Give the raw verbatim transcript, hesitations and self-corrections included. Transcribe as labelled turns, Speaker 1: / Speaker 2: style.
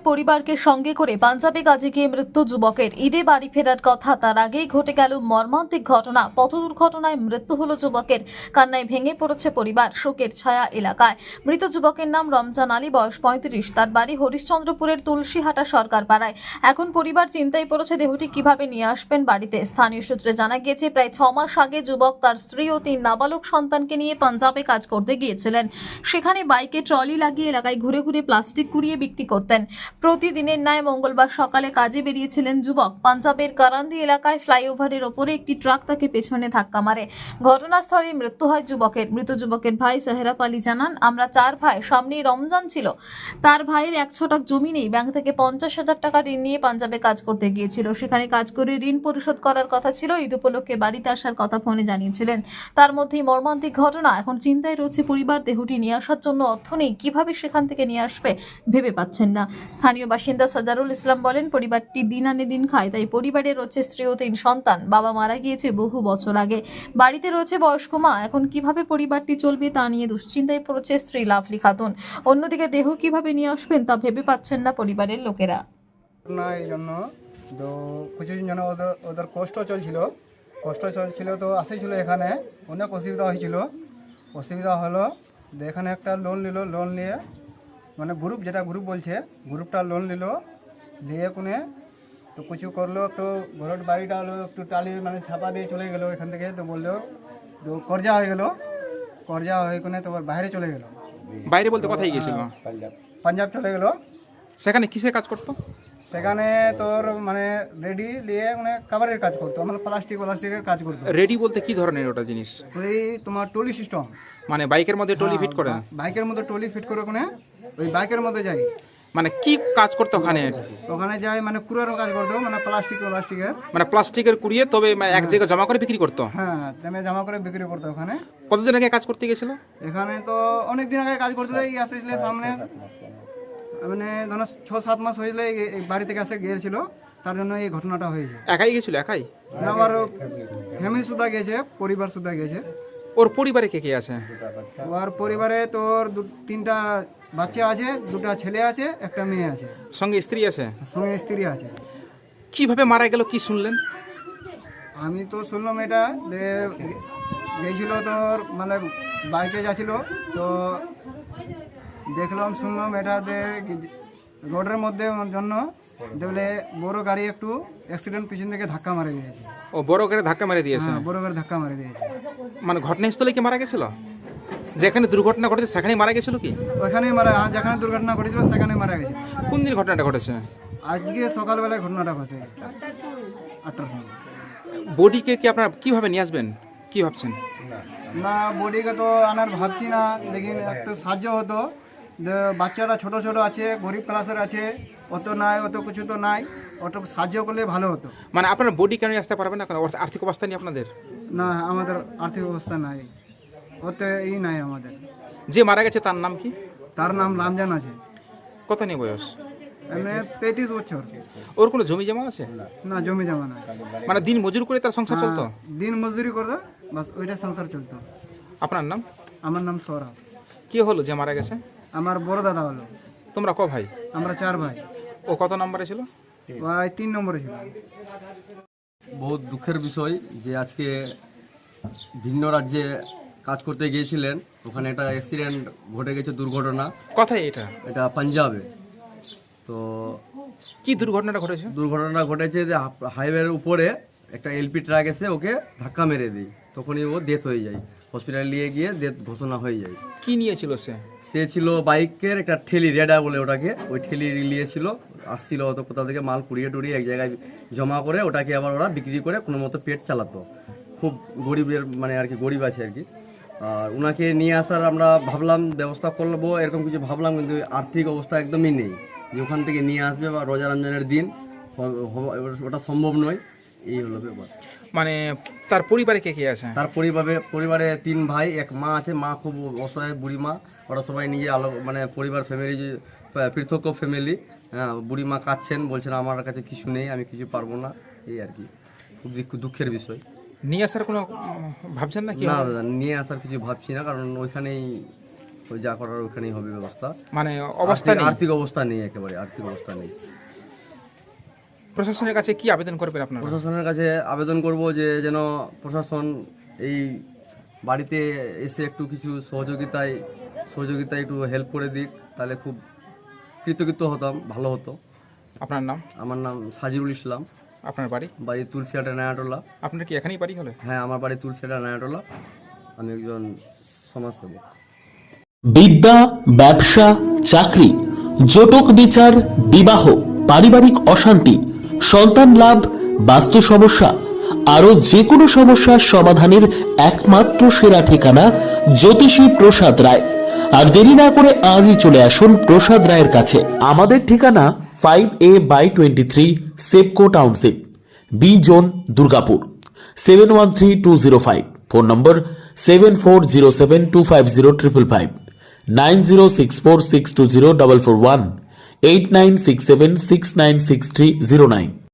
Speaker 1: পরিবারকে সঙ্গে করে পাঞ্জাবে কাজে গিয়ে মৃত্যু যুবকের। ঈদে বাড়ি ফেরার কথা, তার আগেই ঘটে গেল মর্মান্তিক ঘটনা। পথ দুর্ঘটনায় মৃত্যু হলো যুবকের। কান্নায় ভেঙে পড়েছে পরিবার, শোকের ছায়া এলাকায়। মৃত যুবকের নাম রমজান আলী, বয়স পঁয়ত্রিশ। তার বাড়ি হরিশ্চন্দ্রপুরের তুলসীহাটা সরকার পাড়ায়। এখন পরিবার চিন্তায় পড়েছে দেহটি কিভাবে নিয়ে আসবেন বাড়িতে। স্থানীয় সূত্রে জানা গিয়েছে, প্রায় ছ মাস আগে যুবক তার স্ত্রী ও তিন নাবালক সন্তানকে নিয়ে পাঞ্জাবে কাজ করতে গিয়েছিলেন। সেখানে বাইকে ট্রলি লাগিয়ে এলাকায় ঘুরে ঘুরে প্লাস্টিক কুড়িয়ে বিক্রি করতেন। প্রতিদিনের ন্যায় মঙ্গলবার সকালে কাজে বেরিয়েছিলেন যুবক। পাঞ্জাবের কারান্দি এলাকায় ফ্লাইওভারের ওপরে একটি ট্রাক তাকে পেছনে ধাক্কা মারে। ঘটনাস্থলে মৃত্যু হয় যুবকের। মৃত যুবকের ভাই সেহরাব আলী জানান, আমরা চার ভাই, সামনেই রমজান ছিল। তার ভাইয়ের এক ছটাক জমি নেই। ব্যাংক থেকে পঞ্চাশ হাজার টাকা ঋণ নিয়ে পাঞ্জাবে কাজ করতে গিয়েছিল। সেখানে কাজ করে ঋণ পরিশোধ করার কথা ছিল। ঈদ উপলক্ষে বাড়িতে আসার কথা ফোনে জানিয়েছিলেন। তার মধ্যেই মর্মান্তিক ঘটনা। এখন চিন্তায় রয়েছে পরিবার। দেহটি নিয়ে আসার জন্য অর্থ নেই, কিভাবে সেখান থেকে নিয়ে আসবে ভেবে পাচ্ছেন না। স্থানীয় বাসিন্দা সাজারুল ইসলাম বলেন, পরিবারটি দিন আনে দিন খায়, তাই পরিবারে রয়েছে স্ত্রী ও তিন সন্তান। বাবা মারা গিয়েছে বহু বছর আগে। বাড়িতে রয়েছে বয়স্ক মা। এখন কিভাবে পরিবারটি চলবে তা নিয়ে দুশ্চিন্তায় পড়েছে স্ত্রী লাভলি খাতুন। অন্যদিকে দেহ কিভাবে নিয়ে আসবেন তা ভেবে পাচ্ছেন না পরিবারের লোকেরা।
Speaker 2: না এই জন্য তো কিছুদিন যেন ওদের ওদের কষ্ট চলছিল কষ্ট চলছিল তো আসেছিল এখানে, অনেক অসুবিধা হয়েছিল। অসুবিধা হলো যে এখানে একটা লোন নিল, লোন নিয়ে মানে গ্রুপ, যেটা গ্রুপ বলছে, গ্রুপটা লোন নিল, নিয়ে কোনে তো কিছু করলো, একটু ঘরের বাড়িটা হলো একটু টালি মানে ছাপা দিয়ে চলে গেলো এখান থেকে। তো বললো তো কর্জা হয়ে গেল, কর্জা হয়ে কোনে তো বাইরে চলে গেল।
Speaker 3: বাইরে বলতে কোথায় গিয়েছিল?
Speaker 2: পাঞ্জাব চলে গেল।
Speaker 3: সেখানে কিসের কাজ করতো?
Speaker 2: সেখানে তোর মানে রেডি নিয়ে মানে কাভারের কাজ করতো, মানে প্লাস্টিক প্লাস্টিকের কাজ করতো।
Speaker 3: রেডি বলতে কি ধরনের ওটা জিনিস?
Speaker 2: ওই তোমার টলি সিস্টেম,
Speaker 3: মানে বাইকের মধ্যে টলি ফিট করে?
Speaker 2: বাইকের মধ্যে টলি ফিট করে ওখানে ওই বাইকের মধ্যে যাই।
Speaker 3: মানে কি কাজ করতো ওখানে?
Speaker 2: ওখানে যাই মানে কুড়ারও কাজ করতো, মানে প্লাস্টিক প্লাস্টিকের
Speaker 3: মানে প্লাস্টিকের কুড়িয়ে তবে এক জায়গায় জমা করে বিক্রি করতো?
Speaker 2: হ্যাঁ, তেমনি জমা করে বিক্রি করতো ওখানে।
Speaker 3: কতদিন আগে কাজ করতে গেছিল?
Speaker 2: এখানে তো অনেক দিন আগে কাজ করতে এই আসছিল সামনে, মানে ধরো ছ সাত মাস হয়েছিল এই বাড়ি থেকে আসে গিয়েছিল, তার জন্য এই ঘটনাটা হয়েছে।
Speaker 3: একাই গেছিল? একাই?
Speaker 2: না, আবার ফ্যামিলি সুদ্ধা গেছে, পরিবার সুদ্ধা গেছে।
Speaker 3: ওর পরিবারে কে কে আছে?
Speaker 2: ওর পরিবারে তোর তিনটা বাচ্চা আছে, দুটা ছেলে আছে, একটা মেয়ে আছে,
Speaker 3: সঙ্গে স্ত্রী আছে?
Speaker 2: সঙ্গে স্ত্রী আছে।
Speaker 3: কিভাবে মারা গেল কি শুনলেন?
Speaker 2: আমি তো শুনলাম এটা যে গেছিল তোর মানে বাইকে যাচ্ছিল, তো দেখলাম শুনলাম এটা যে রোডের মধ্যে জন্য দেখলে বড় গাড়ি একটু অ্যাক্সিডেন্ট পিছন থেকে ধাক্কা মারে দিয়েছে।
Speaker 3: ও বড় করে ধাক্কা মেরে দিয়েছে?
Speaker 2: হ্যাঁ, বড় গাড়ি ধাক্কা মারে দিয়েছে।
Speaker 3: মানে ঘটনাস্থলে কি মারা গেছিল? যেখানে দুর্ঘটনা ঘটেছে সেখানেই মারা গেছিল কি?
Speaker 2: ওইখানেই মারা, যেখানে দুর্ঘটনা ঘটেছিল সেখানে মারা গেছে।
Speaker 3: কোন দিন ঘটনাটা ঘটেছে?
Speaker 2: আজকে সকালবেলায় ঘটনাটা ঘটে আটটার সময়।
Speaker 3: বডিকে কি আপনারা কিভাবে নিয়ে আসবেন, কি ভাবছেন?
Speaker 2: না, বডিকে তো আনার ভাবছি না, লেকিন একটু সাহায্য হতো। যে বাচ্চারা ছোট ছোট আছে, গরিব ক্লাসের আছে, অত নাই, অত কিছু তো নাই, অত সাহায্য করলে ভালো হতো।
Speaker 3: মানে আপনার বডি কেন আসতে পারবেন না? কারণ আর্থিক অবস্থা নেই আপনাদের?
Speaker 2: না, আমাদের আর্থিক অবস্থা নাই, অত ই নাই আমাদের।
Speaker 3: যে মারা গেছে তার নাম কি?
Speaker 2: তার নাম রামজান আছে।
Speaker 3: কত নিয়ে বয়স?
Speaker 2: এমনি পঁয়ত্রিশ বছর।
Speaker 3: ওর কোনো জমি জমা আছে?
Speaker 2: না, জমি জমা নাই।
Speaker 3: মানে দিন মজুর করে তার সংসার চলতো?
Speaker 2: হ্যাঁ, দিন মজদুরি করতো, বাস ওইটা সংসার চলতো।
Speaker 3: আপনার নাম?
Speaker 2: আমার নাম সৌরভ।
Speaker 3: কি হলো যে মারা গেছে?
Speaker 2: আমার বড় দাদা হলো।
Speaker 3: তোমরা ক ভাই?
Speaker 2: আমরা চার ভাই।
Speaker 3: ও কত নম্বরে ছিল?
Speaker 2: ভাই তিন নম্বরে ছিল।
Speaker 4: বহুত দুঃখের বিষয় যে আজকে ভিন্ন রাজ্যে কাজ করতে গিয়েছিলেন, ওখানে একটা অ্যাক্সিডেন্ট ঘটে গেছে, দুর্ঘটনা।
Speaker 3: কোথায় এটা?
Speaker 4: এটা পাঞ্জাবে। তো
Speaker 3: কি দুর্ঘটনাটা ঘটেছে?
Speaker 4: দুর্ঘটনা ঘটেছে যে হাইওয়ের উপরে একটা এলপি ট্রাক এসে ওকে ধাক্কা মেরে দেয়, তখনই ও ডেথ হয়ে যায়। হসপিটালে নিয়ে গিয়ে ডেথ ঘোষণা হয়ে যায়।
Speaker 3: কি নিয়েছিল সে?
Speaker 4: সে ছিল বাইকের একটা ঠেলি, রেডা বলে ওটাকে, ওই ঠেলি নিয়েছিল, আসছিল অত কোথা থেকে মাল কুড়িয়ে টুড়িয়ে এক জায়গায় জমা করে ওটাকে আবার ওরা বিক্রি করে কোনো মতো পেট চালাতো। খুব গরিবের মানে আর কি, গরিব আছে আর কি। আর ওনাকে নিয়ে আসার আমরা ভাবলাম ব্যবস্থা করবো, এরকম কিছু ভাবলাম, কিন্তু আর্থিক অবস্থা একদমই নেই যে ওখান থেকে নিয়ে আসবে বা রোজা রমজানের দিন ওটা সম্ভব নয়। এই হলো ব্যাপার।
Speaker 3: মানে তার পরিবারে কে কে আছে?
Speaker 4: তার পরিবারে পরিবারে তিন ভাই, এক মা আছে। মা খুব অসহায়, বুড়ি মা। ওরা সবাই নিজে আলো মানে পরিবার ফ্যামিলি, পৃথক ফ্যামিলি। হ্যাঁ, বুড়ি মা কাঁদছেন, বলছেন আমার কাছে কিছু নেই, আমি কিছু পারবো না, এই আর কি। খুব দুঃখের বিষয়।
Speaker 3: নিয়ে আসার কোনো ভাবছেন না কি?
Speaker 4: না দাদা, নিয়ে আসার কিছু ভাবছি না, কারণ ওইখানেই ওই যা করার ওখানেই হবে ব্যবস্থা।
Speaker 3: মানে অবস্থা
Speaker 4: আর্থিক-
Speaker 3: নেই।
Speaker 4: আর্থিক অবস্থা নেই, একেবারে আর্থিক অবস্থা নেই।
Speaker 3: প্রশাসনের কাছে কি আবেদন করবেন আপনারা?
Speaker 4: প্রশাসনের কাছে আবেদন করব যে যেন প্রশাসন এই বাড়িতে এসে একটু কিছু সহযোগিতায় সহযোগিতায় একটু হেল্প করে দিক, তাহলে খুব কৃতকৃত হতাম, ভালো হতো।
Speaker 3: আপনার নাম?
Speaker 4: আমার নাম সাজিরুল ইসলাম,
Speaker 3: আপনার বাড়ি?
Speaker 4: বাড়ি তুলসিয়াটা নায়াটোলা।
Speaker 3: আপনার কি এখানেই বাড়ি হলো?
Speaker 4: হ্যাঁ, আমার বাড়ি তুলসিয়াটা নায়াটোলা। আমি একজন সমাজসেবক।
Speaker 5: বিদ্যা, ব্যবসা, চাকরি, জটক বিচার, বিবাহ, পারিবারিক অশান্তি, সন্তান লাভ, বাস্তু সমস্যা, আরো যে কোনো সমস্যার সমাধানের একমাত্র সেরা ঠিকানা জ্যোতিষী প্রসাদ রায়। আর দেরি না করে আজই চলে আসুন প্রসাদ রায়ের কাছে। আমাদের ঠিকানা five A by twenty three Sepco township, B zone, Durgapur, seven one three two zero five. Phone number seven four zero seven two five zero triple five, nine zero six four six two zero double four one, eight nine six seven six nine six three zero nine.